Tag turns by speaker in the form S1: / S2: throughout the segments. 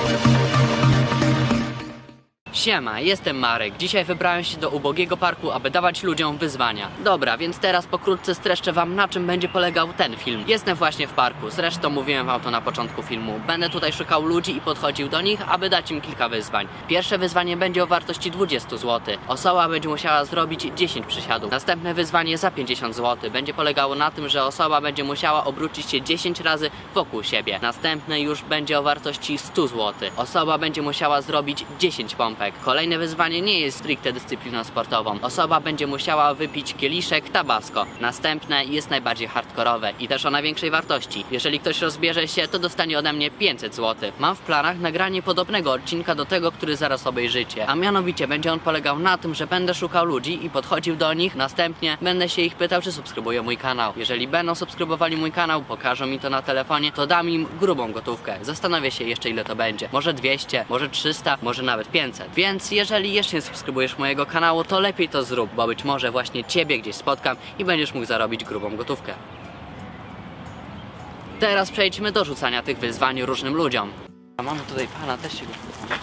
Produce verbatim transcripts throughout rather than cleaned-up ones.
S1: Siema, jestem Marek. Dzisiaj wybrałem się do ubogiego parku, aby dawać ludziom wyzwania. Dobra, więc teraz pokrótce streszczę wam, na czym będzie polegał ten film. Jestem właśnie w parku, zresztą mówiłem wam to na początku filmu. Będę tutaj szukał ludzi i podchodził do nich, aby dać im kilka wyzwań. Pierwsze wyzwanie będzie o wartości dwadzieścia złotych. Osoba będzie musiała zrobić dziesięć przysiadów. Następne wyzwanie za pięćdziesiąt złotych. Będzie polegało na tym, że osoba będzie musiała obrócić się dziesięć razy wokół siebie. Następne już będzie o wartości sto złotych. Osoba będzie musiała zrobić dziesięć pompek. Kolejne wyzwanie nie jest stricte dyscypliną sportową. Osoba będzie musiała wypić kieliszek Tabasco. Następne jest najbardziej hardkorowe i też o największej wartości. Jeżeli ktoś rozbierze się, to dostanie ode mnie pięćset złotych. Mam w planach nagranie podobnego odcinka do tego, który zaraz obejrzycie. A mianowicie będzie on polegał na tym, że będę szukał ludzi i podchodził do nich. Następnie będę się ich pytał, czy subskrybują mój kanał. Jeżeli będą subskrybowali mój kanał, pokażą mi to na telefonie, to dam im grubą gotówkę. Zastanawiam się jeszcze, ile to będzie. Może dwieście, może trzysta, może nawet pięćset. Więc jeżeli jeszcze nie subskrybujesz mojego kanału, to lepiej to zrób, bo być może właśnie ciebie gdzieś spotkam i będziesz mógł zarobić grubą gotówkę. Teraz przejdźmy do rzucania tych wyzwań różnym ludziom. A mamy tutaj pana, też się go pytam.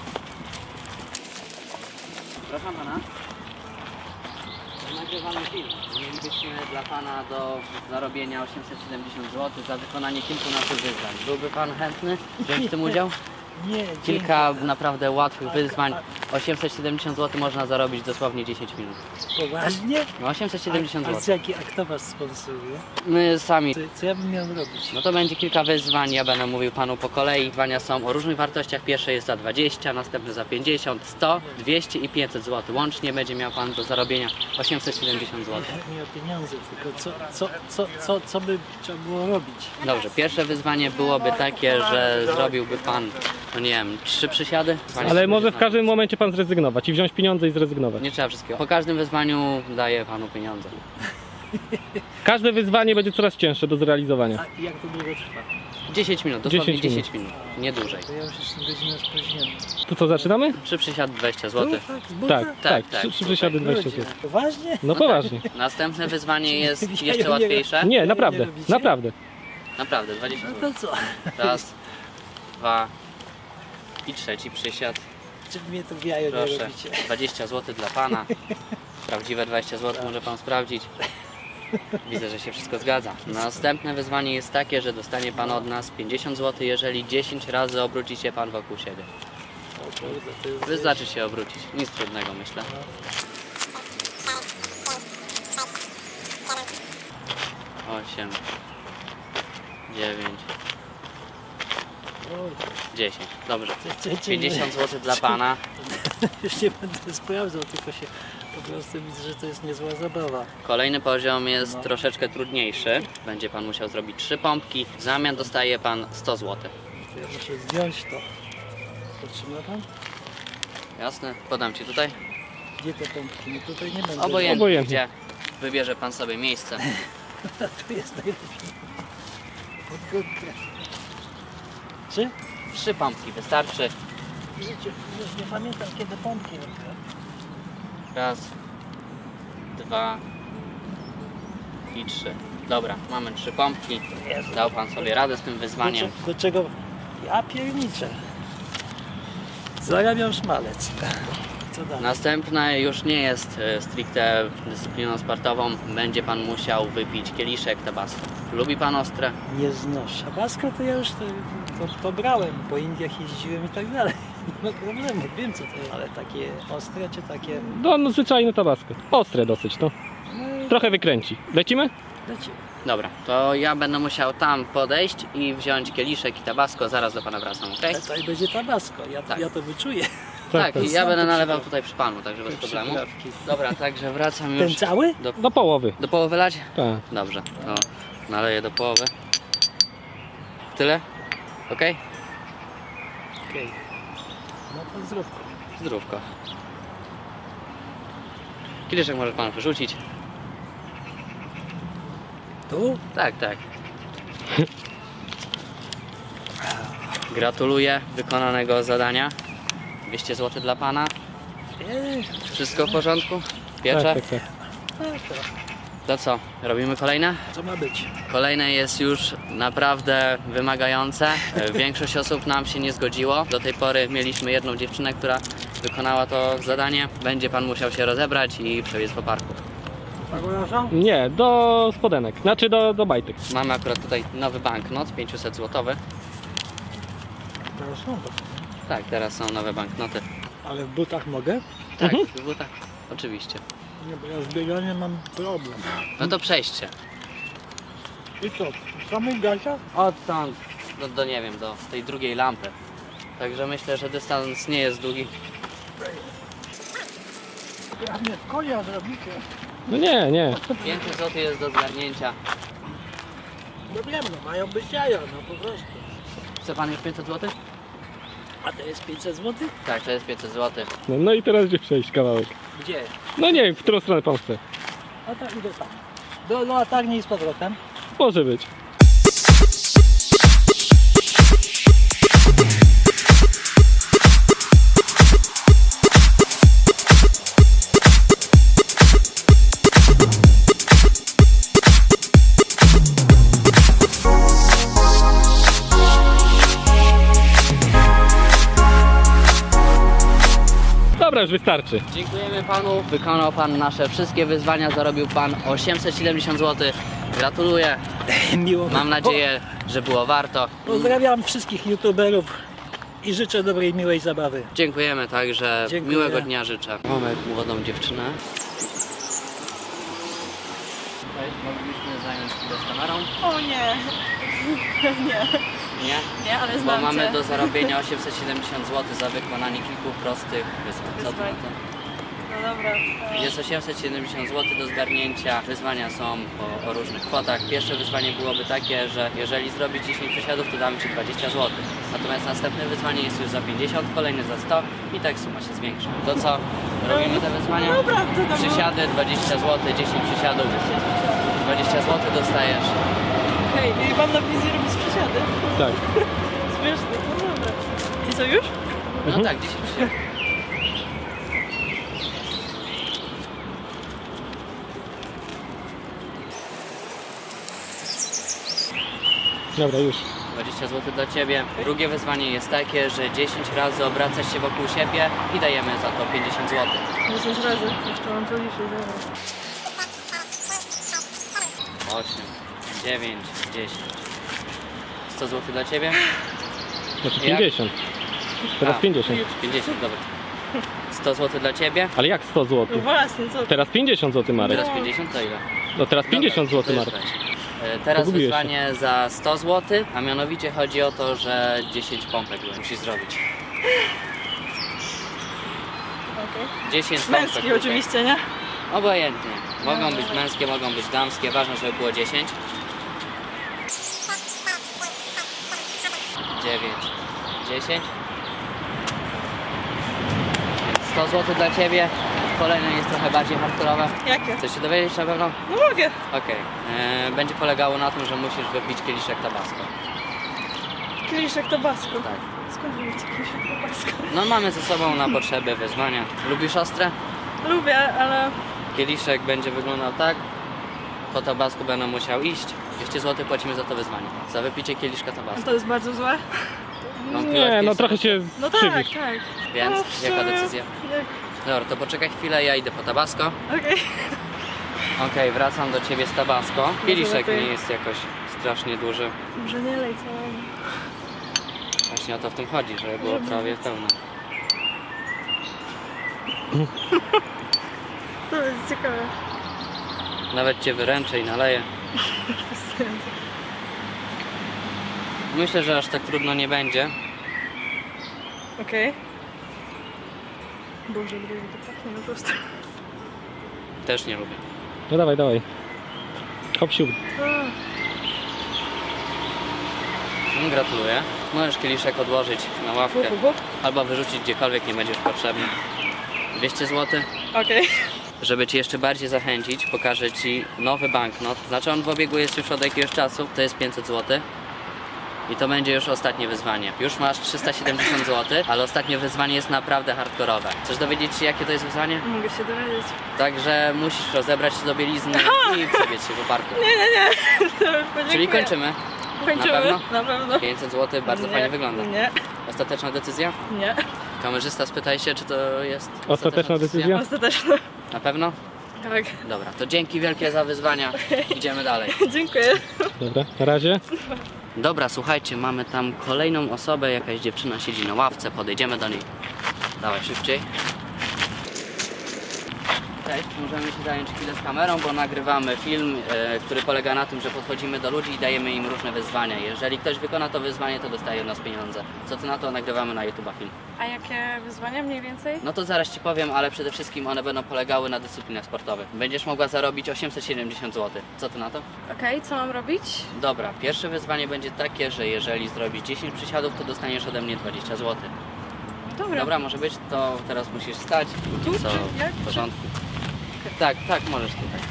S1: Proszę pana. Nagrywamy film. Mielibyśmy dla pana do zarobienia osiemset siedemdziesiąt złotych za wykonanie kilkunastu wyzwań. Byłby pan chętny wziąć w tym udział?
S2: Nie,
S1: Kilka naprawdę łatwych wyzwań. osiemset siedemdziesiąt złotych można zarobić dosłownie dziesięć minut.
S2: Poważnie?
S1: No osiemset siedemdziesiąt
S2: A, a,
S1: złotych.
S2: z jaki, a kto was sponsoruje?
S1: My sami.
S2: Co, co ja bym miał robić?
S1: No to będzie kilka wyzwań, ja będę mówił panu po kolei. Wyzwania są o różnych wartościach. Pierwsze jest za dwadzieścia, następne za pięćdziesiąt, sto, dwieście i pięćset złotych. Łącznie będzie miał pan do zarobienia osiemset siedemdziesiąt złotych.
S2: Nie, nie o pieniądze, tylko co, co, co, co, co by trzeba było robić?
S1: Dobrze, pierwsze wyzwanie byłoby takie, że zrobiłby pan, no nie wiem, trzy przysiady.
S3: Ale może w każdym momencie pan zrezygnować i wziąć pieniądze i zrezygnować.
S1: Nie trzeba wszystkiego. Po każdym wyzwaniu daję panu pieniądze.
S3: Każde wyzwanie będzie coraz cięższe do zrealizowania.
S2: A jak to długo trwa?
S1: dziesięć minut, dosłownie
S3: dziesięć
S1: dziesięć minut, nie dłużej.
S2: To ja już jestem godzinę spóźniony.
S3: To co, zaczynamy?
S1: Trzy przysiady dwadzieścia złotych.
S2: Tak, z buta?
S3: Tak,
S1: Tak,
S3: tak.
S1: tak,
S3: Trzy, trzy przysiady dwadzieścia
S2: Ludzie,
S3: złotych.
S2: Poważnie?
S3: No poważnie.
S1: Następne wyzwanie jest
S2: Ja
S1: jeszcze
S2: nie
S1: łatwiejsze.
S3: Nie, naprawdę,
S2: Nie robicie?
S3: naprawdę.
S1: Naprawdę, dwadzieścia
S2: No
S1: złotych.
S2: to co?
S1: Raz, dwa i trzeci przysiad.
S2: Czy mnie to w jajo nie
S1: Proszę,
S2: robicie?
S1: dwadzieścia złotych dla pana. Prawdziwe dwadzieścia złotych może pan sprawdzić. Widzę, że się wszystko zgadza. Następne wyzwanie jest takie, że dostanie pan od nas pięćdziesiąt złotych, jeżeli dziesięć razy obróci się pan wokół siebie.
S2: O kurde, to jest...
S1: Wystarczy się obrócić. Nic trudnego, myślę. osiem, dziewięć, dziesięć. Dobrze.
S2: Czy- czy- czy-
S1: pięćdziesiąt złotych dla pana.
S2: Już nie będę sprawdzał, tylko się po prostu widzę, że to jest niezła zabawa.
S1: Kolejny poziom jest
S2: No.
S1: troszeczkę trudniejszy. Będzie pan musiał zrobić trzy pompki. W zamian dostaje pan sto złotych.
S2: To ja muszę zdjąć to. Potrzyma pan?
S1: Jasne? Podam ci tutaj.
S2: Gdzie te pompki? No tutaj nie będę.
S1: Obojętnie,
S3: Obojętnie.
S1: gdzie wybierze pan sobie miejsce.
S2: Tu jest najlepiej. Pod górkę. Czy?
S1: Trzy pompki wystarczy.
S2: W życiu już nie pamiętam, kiedy pompki robiłem.
S1: Raz, dwa i trzy. Dobra, mamy trzy pompki.
S2: Jezu.
S1: Dał pan sobie radę z tym
S2: Do,
S1: wyzwaniem.
S2: cze- do czego? Ja pierniczę. Zarabiam szmalec. Co dalej?
S1: Następne już nie jest e, stricte dyscypliną sportową. Będzie pan musiał wypić kieliszek Tabasco. Lubi pan ostre?
S2: Nie znoszę. Tabasco to ja już to, to, to brałem. Po Indiach jeździłem i tak dalej. Nie ma problemu, wiem co to jest. Ale takie ostre czy takie...
S3: No, no zwyczajne tabasco. Ostre dosyć, no.
S2: No,
S3: Trochę wykręci. Lecimy?
S2: leci.
S1: Dobra, to ja będę musiał tam podejść i wziąć kieliszek i Tabasco. Zaraz do pana wracam, ok?
S2: Ale tutaj będzie Tabasco, ja,
S1: Tak.
S2: ja to wyczuję.
S1: Tak,
S3: tak.
S1: i ja
S2: Sam
S1: będę
S2: to
S1: nalewał
S2: przyda-
S1: tutaj przy panu, także bez
S2: te
S1: problemu.
S2: przyprawki.
S1: Dobra, także wracam
S2: Ten
S1: już.
S2: cały?
S1: Do,
S3: Do połowy.
S1: do połowy lać?
S3: Tak.
S1: Dobrze, to naleję do połowy. Tyle? Ok?
S2: Okej. No to zdrówko.
S1: Zdrówko. Kieliszek może pan wyrzucić.
S2: Tu?
S1: Tak, tak. Gratuluję wykonanego zadania. dwieście złotych dla pana.
S2: Eee,
S1: Wszystko w porządku? Piecze?
S3: Tak, tak, tak.
S2: tak, tak.
S1: To co, robimy kolejne?
S2: Co ma być?
S1: Kolejne jest już naprawdę wymagające. E, Większość osób nam się nie zgodziło. Do tej pory mieliśmy jedną dziewczynę, która wykonała to zadanie. Będzie pan musiał się rozebrać i przebiec po parku.
S3: Nie, do spodenek. Znaczy do, do bajtek.
S1: Mamy akurat tutaj nowy banknot, pięćset złotowy.
S2: Teraz są to.
S1: Tak, teraz są nowe banknoty.
S2: Ale w butach mogę?
S1: Tak,
S3: Mhm.
S1: w butach. Oczywiście.
S2: Nie, bo ja z bieganiem mam problem.
S1: No to przejście.
S2: I co? W samych gaciach?
S1: Odtąd do, do nie wiem, do tej drugiej lampy. Także myślę, że dystans nie jest długi.
S2: Ja mnie konia zrobicie.
S3: No nie, nie.
S1: pięćset złotych jest do zgarnięcia.
S2: No wiem, no mają być jaja, no po prostu.
S1: Chce pan już pięćset złotych?
S2: A to jest pięćset złotych?
S1: Tak, to jest pięćset złotych.
S3: No, no i teraz gdzie przejść kawałek?
S2: Gdzie?
S3: No nie wiem, w którą stronę pan chce.
S2: A tak idę tam. Do latarni i z powrotem.
S3: Może być. Dobra, już wystarczy.
S1: Dziękujemy panu, wykonał pan nasze wszystkie wyzwania, zarobił pan osiemset siedemdziesiąt złotych. Gratuluję,
S2: Miło.
S1: mam nadzieję, że było warto.
S2: Pozdrawiam wszystkich youtuberów i życzę dobrej, miłej zabawy.
S1: Dziękujemy także,
S2: Dziękuję.
S1: miłego dnia życzę. Mamy młodą dziewczynę. Cześć, moglibyśmy zająć chwilę z kamerą?
S4: O nie, nie,
S1: Nie?
S4: nie, ale
S1: Bo
S4: znam
S1: mamy
S4: cię.
S1: do zarobienia osiemset siedemdziesiąt złotych za wykonanie kilku prostych wyzwań. Co ty na
S4: Wyzwań.
S1: to?
S4: No dobra. e,
S1: Jest osiemset siedemdziesiąt złotych do zgarnięcia. Wyzwania są o, o różnych kwotach. Pierwsze wyzwanie byłoby takie, że jeżeli zrobisz dziesięć przysiadów, to damy ci dwadzieścia złotych. Natomiast następne wyzwanie jest już za pięćdziesiąt, kolejne za sto i tak suma się zwiększa. To co? Robimy te wyzwania?
S4: Dobra, to dobra.
S1: Przysiady dwadzieścia złotych, dziesięć przysiadów. dwadzieścia złotych dostajesz.
S4: Hej, i pan na wizji robi przysiady.
S3: Tak.
S4: Śmieszne, no dobra. I co już?
S1: No
S3: Mhm.
S1: tak, dziesięć przysiadów.
S3: Dobra, już.
S1: dwadzieścia złotych dla Ciebie. Drugie wyzwanie jest takie, że dziesięć razy obracasz się wokół siebie i dajemy za to pięćdziesiąt złotych.
S4: dziesięć razy. Jeszcze mam to liczyć, dobra.
S1: osiem, dziewięć, dziesięć. sto złotych dla Ciebie?
S3: Znaczy
S1: Jak?
S3: pięćdziesiąt. Teraz
S1: A.
S3: pięćdziesiąt.
S1: pięćdziesiąt, dobra. sto złotych dla Ciebie?
S3: Ale jak sto
S4: No
S3: złotych?
S4: właśnie, co?
S3: Teraz pięćdziesiąt złotych, Marek.
S1: Teraz pięćdziesiąt to ile?
S3: No teraz pięćdziesiąt złotych,
S1: Dobra, to
S3: Marek.
S1: jest weź. E, Teraz
S3: Pogubiłeś się.
S1: wyzwanie za sto złotych, a mianowicie chodzi o to, że dziesięć pompek musisz zrobić.
S4: Okej.
S1: dziesięć pompek.
S4: Męski
S1: tutaj.
S4: oczywiście, nie?
S1: Obojętnie. Mogą być męskie, mogą być damskie, ważne, żeby było dziesięć. dziewięć, dziesięć. Więc sto złotych dla Ciebie. Kolejne jest trochę bardziej hardkorowe.
S4: Jakie?
S1: Chcesz się dowiedzieć na pewno?
S4: No mogę.
S1: Okej. E, Będzie polegało na tym, że musisz wypić kieliszek tabasco.
S4: Kieliszek tabasco.
S1: Tak.
S4: Skąd wy macie kieliszek tabasco?
S1: No mamy ze sobą na potrzeby wyzwania. Lubisz ostre?
S4: Lubię, ale...
S1: Kieliszek będzie wyglądał tak. Po tabasku będę musiał iść. dwieście złotych płacimy za to wyzwanie. Za wypicie kieliszka tabasco.
S4: To jest bardzo złe.
S1: Wątpiłaś
S3: Nie, no
S1: kiedyś
S3: trochę
S1: sobie?
S3: się
S4: No tak,
S3: skrzywisz.
S4: tak.
S1: Więc
S4: No, w
S1: jaka
S4: sumie-
S1: decyzja?
S4: Jak...
S1: Dobra, to poczekaj chwilę, ja idę po tabasco.
S4: Okej.
S1: Okej, wracam do ciebie z tabasco. Kieliszek
S4: lepiej.
S1: nie jest jakoś strasznie duży.
S4: Może nie lej całego.
S1: Właśnie o to w tym chodzi, żeby było
S4: Żeby-
S1: prawie pełne.
S4: To jest ciekawe.
S1: Nawet cię wyręczę i naleję. Myślę, że aż tak trudno nie będzie.
S4: Okej. Boże, gdyby to pachnie po prostu.
S1: Też nie lubię.
S3: No dawaj, dawaj. Hop siup.
S1: No, gratuluję. Możesz kieliszek odłożyć na ławkę albo wyrzucić gdziekolwiek, nie będziesz potrzebny. dwieście złotych.
S4: Okej.
S1: Żeby Cię jeszcze bardziej zachęcić, pokażę Ci nowy banknot. Znaczy on w obiegu jest już od jakiegoś czasu, to jest pięćset złotych. I to będzie już ostatnie wyzwanie. Już masz trzysta siedemdziesiąt złotych, ale ostatnie wyzwanie jest naprawdę hardkorowe. Chcesz dowiedzieć się, jakie to jest wyzwanie?
S4: Mogę się dowiedzieć.
S1: Także musisz rozebrać się do bielizny i przebiec się po parku.
S4: Nie, nie, nie. Podziękuję.
S1: Czyli kończymy.
S4: Kończymy.
S1: Na pewno?
S4: Na pewno.
S1: pięćset złotych, bardzo
S4: Nie,
S1: fajnie wygląda.
S4: Nie,
S1: Ostateczna decyzja?
S4: nie.
S1: Kamerzysta, spytaj się, czy to jest
S3: Ostateczna decyzja?
S4: Ostateczne.
S1: Na pewno?
S4: Tak.
S1: Dobra, to dzięki wielkie za wyzwania. Idziemy dalej.
S4: Dziękuję.
S3: Dobra, na razie.
S1: Dobra, słuchajcie, mamy tam kolejną osobę, jakaś dziewczyna siedzi na ławce, podejdziemy do niej. Dawaj, szybciej. Cześć, możemy się zająć chwilę z kamerą, bo nagrywamy film, e, który polega na tym, że podchodzimy do ludzi i dajemy im różne wyzwania. Jeżeli ktoś wykona to wyzwanie, to dostaje od nas pieniądze. Co ty na to? Nagrywamy na YouTube'a film.
S4: A jakie wyzwania mniej więcej?
S1: No to zaraz ci powiem, ale przede wszystkim one będą polegały na dyscyplinach sportowych. Będziesz mogła zarobić osiemset siedemdziesiąt złotych. Co ty na to?
S4: Okej, co mam robić?
S1: Dobra, pierwsze wyzwanie będzie takie, że jeżeli zrobisz dziesięć przysiadów, to dostaniesz ode mnie dwadzieścia złotych.
S4: Dobra.
S1: Dobra, może być, to teraz musisz stać.
S4: Tu,
S1: Co
S4: czy jak?
S1: w porządku. Tak, tak, możesz tutaj.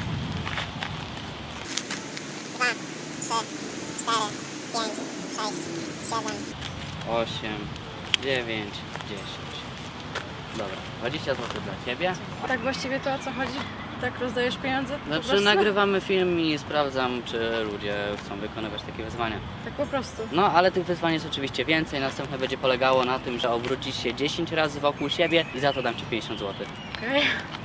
S5: dwa, trzy, cztery, pięć, sześć, siedem.
S1: osiem, dziewięć, dziesięć. Dobra, dwadzieścia złotych dla ciebie.
S4: Tak właściwie to o co chodzi? Tak rozdajesz pieniądze? Po
S1: Znaczy
S4: prostu?
S1: nagrywamy film i sprawdzam, czy ludzie chcą wykonywać takie wyzwania.
S4: Tak po prostu.
S1: No, ale tych wyzwań jest oczywiście więcej. Następne będzie polegało na tym, że obrócisz się dziesięć razy wokół siebie i za to dam ci pięćdziesiąt złotych.
S4: Okej.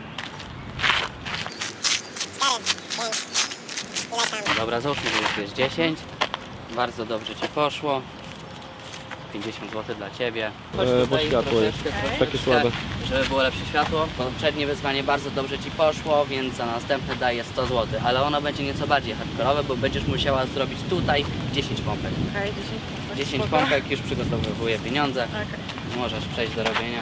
S5: cztery, pięć. Ile tam?
S1: Dobra, załóżmy, że już jest dziesięć. Bardzo dobrze ci poszło. pięćdziesiąt złotych dla ciebie. Chodź
S3: E, bo
S1: tutaj
S3: światło jest
S1: troszeczkę,
S4: Okej.
S3: takie słabe.
S1: żeby było lepsze światło. Poprzednie wyzwanie bardzo dobrze ci poszło, więc za następne daję sto złotych. Ale ono będzie nieco bardziej hardkorowe, bo będziesz musiała zrobić tutaj dziesięć pompek.
S4: Okej, dziesięć pompek.
S1: dziesięć
S4: Spoko.
S1: pompek, już przygotowuję pieniądze.
S4: Okej.
S1: Możesz przejść do robienia.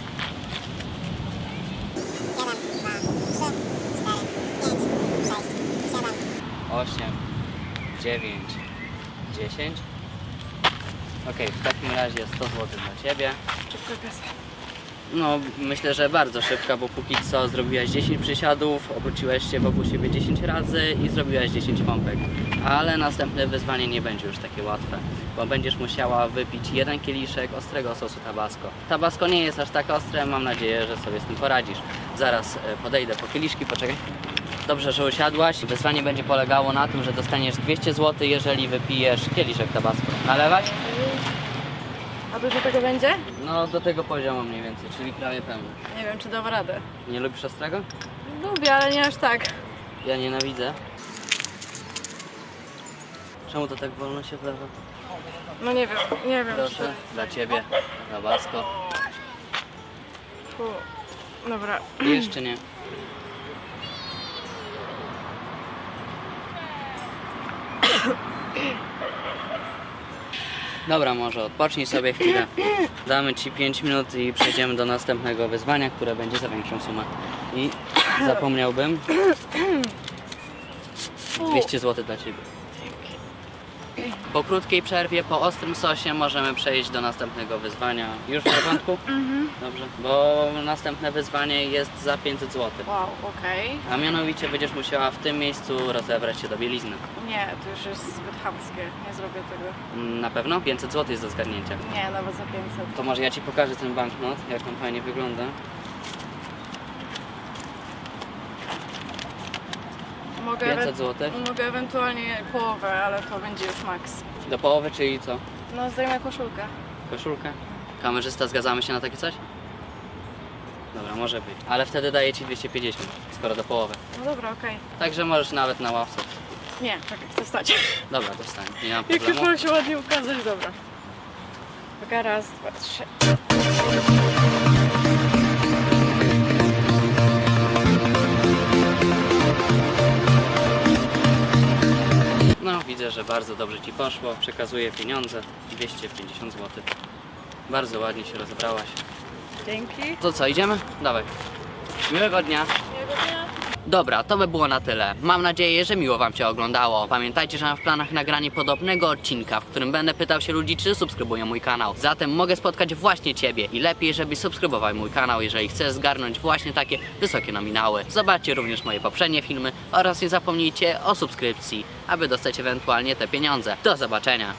S5: jeden, dwa, trzy, cztery, pięć, sześć, siedem.
S1: osiem, dziewięć, dziesięć. Ok, w takim razie sto złotych dla ciebie.
S4: Szybko kasa.
S1: No, myślę, że bardzo szybka, bo póki co zrobiłaś dziesięć przysiadów, obróciłaś się wokół siebie dziesięć razy i zrobiłaś dziesięć pompek. Ale następne wyzwanie nie będzie już takie łatwe, bo będziesz musiała wypić jeden kieliszek ostrego sosu tabasco. Tabasco nie jest aż tak ostre, mam nadzieję, że sobie z tym poradzisz. Zaraz e, podejdę po kieliszki, poczekaj. Dobrze, że usiadłaś. Wyzwanie będzie polegało na tym, że dostaniesz dwieście złotych, jeżeli wypijesz kieliszek tabasco. Nalewać?
S4: A dużo tego będzie?
S1: No, do tego poziomu mniej więcej, czyli prawie pełny.
S4: Nie wiem, czy dam radę.
S1: Nie lubisz ostrego?
S4: Lubię, ale nie aż tak.
S1: Ja nienawidzę. Czemu to tak wolno się wlewa?
S4: No nie wiem, nie wiem.
S1: Proszę, dla ciebie, tabasco.
S4: Fu. Dobra.
S1: I jeszcze nie. Dobra, może odpocznij sobie chwilę. Damy ci pięć minut i przejdziemy do następnego wyzwania, które będzie za większą sumę. I zapomniałbym. dwieście złotych dla ciebie. Po krótkiej przerwie, po ostrym sosie możemy przejść do następnego wyzwania. Już w porządku? Dobrze. Bo następne wyzwanie jest za pięćset złotych.
S4: Wow, okej.
S1: A mianowicie będziesz musiała w tym miejscu rozebrać się do bielizny.
S4: Nie, to już jest zbyt chamskie. Nie zrobię tego.
S1: Mm, Na pewno? pięćset złotych jest do zgarnięcia.
S4: Nie, nawet za pięćset.
S1: To może ja ci pokażę ten banknot, jak on fajnie wygląda.
S4: Mogę,
S1: pięćset
S4: ewe-
S1: złotych.
S4: mogę ewentualnie połowę, ale to będzie już maks.
S1: Do połowy, czyli co?
S4: No, zdejmę koszulkę.
S1: Koszulkę? Kamerzysta, zgadzamy się na takie coś? Dobra, może być. Ale wtedy daję ci dwieście pięćdziesiąt, skoro do połowy.
S4: No dobra, okej.
S1: Także możesz nawet na ławce.
S4: Nie, czekaj, chcę stać.
S1: Dobra, to wstań, nie mam
S4: Jak już
S1: problemu.
S4: mam się ładnie ukazać, dobra. Uwaga, raz, dwa, trzy.
S1: No, widzę, że bardzo dobrze ci poszło. Przekazuję pieniądze, dwieście pięćdziesiąt złotych. Bardzo ładnie się rozebrałaś.
S4: Dzięki.
S1: To co, idziemy? Dawaj. Miłego dnia.
S4: Miłego dnia.
S1: Dobra, to by było na tyle. Mam nadzieję, że miło wam się oglądało. Pamiętajcie, że mam w planach nagranie podobnego odcinka, w którym będę pytał się ludzi, czy subskrybują mój kanał. Zatem mogę spotkać właśnie ciebie i lepiej, żebyś subskrybował mój kanał, jeżeli chcesz zgarnąć właśnie takie wysokie nominały. Zobaczcie również moje poprzednie filmy oraz nie zapomnijcie o subskrypcji, aby dostać ewentualnie te pieniądze. Do zobaczenia.